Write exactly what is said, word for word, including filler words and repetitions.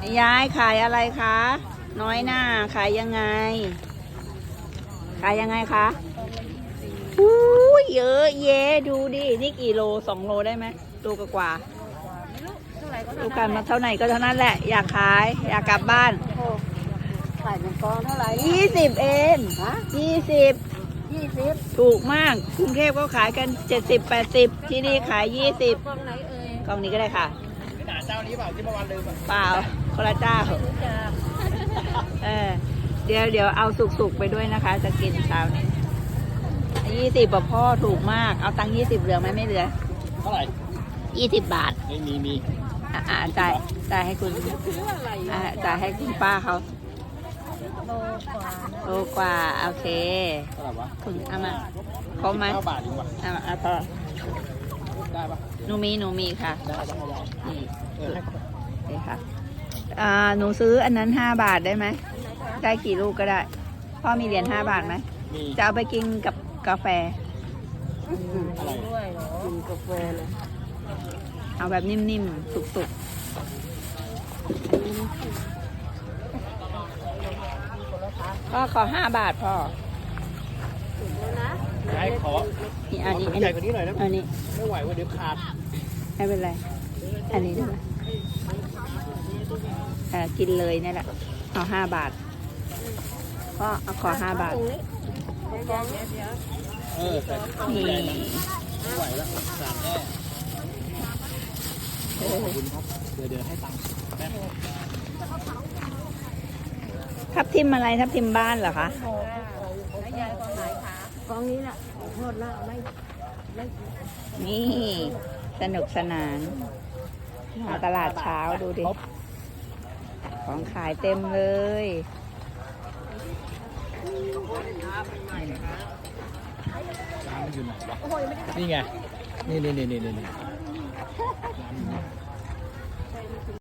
ยายขายอะไรคะ น้อยหน้าขายยังไง ขายยังไงคะอู้เยอะแยะดูดิ นี่กี่โลสองโลได้ไหมโลกว่าดูกันมาเท่าไหร่ก็เท่านั้นแหละ อยากขาย อยากกลับบ้านขายเป็นกองเท่าไหร่ยี่สิบเองฮะยี่สิบยี่สิบถูกมากกรุงเทพก็ขายกันเจ็ดสิบแปดสิบที่นี่ขายยี่สิบกองไหนเอ่ยกล่องนี้ก็ได้ค่ะไม่หนาเจ้านี้เปล่าที่เมื่อวานลืมอ่ะเปล่าคนละเจ้ารู้จักเออเดี๋ยวเดี๋ยวเอาสุกๆไปด้วยนะคะ จะกินเช้านี้ยี่สิบแบบพ่อถูกมาก เอาตังค์ยี่สิบเหลือไหมไม่เหลือเท่าไหร่ยี่สิบบาทไม่มีมีอ่าจ่ายจ่ายให้คุณอ่าจ่ายให้คุณป้าเขาโลกว่าโลกว่าโอเคเท่าไหร่วะคุณเอามาครบไหมเก้าบาทเองวะเอามาเอาพอได้ปะหนูมีหนูมีค่ะได้ได้ได้นี่เออนี่ค่ะอ่าหนูซื้ออันนั้นห้าบาทได้ไหมได้กี่ลูกก็ได้ พ่อมีเหรียญห้าบาทไหมมีจะเอาไปกินกับกาแฟอะไรด้วยเหรอกินกาแฟเลยเอาแบบนิ่มๆ สุกๆ พ่อขอห้าบาทพ่อถูกแล้วนะได้ขอนี่ขอัอนนี้ถุอังนใหญ่นี้กว่านี้หน่อยนะอันนี้ไม่ไหวว่าเดี๋ยวขาดไม่เป็นไร อันนี้ได้ไหมเออกินเลยนี่แหละ เอาห้าบาท พ่อเอาขอห้าบาทตรงนี้เดี๋ยวเดี๋ยวเดี๋ยวเออแต่นี่ไม่ไหวแล้วขาดแน่ขอบคุณครับเดี๋ยวเดี๋ยวให้ตังค์แป๊บทับทิมอะไรทับทิมบ้านเหรอคะแล้วยายกองไหนคะกองนี้แหละโทษนะไม่ไม่นี่สนุกสนานมาตลาดเช้าดูดิ ของขายเต็มเลยร้านมันอยู่ไหนวะนี่ไง นี่นี่นี่นี่นี่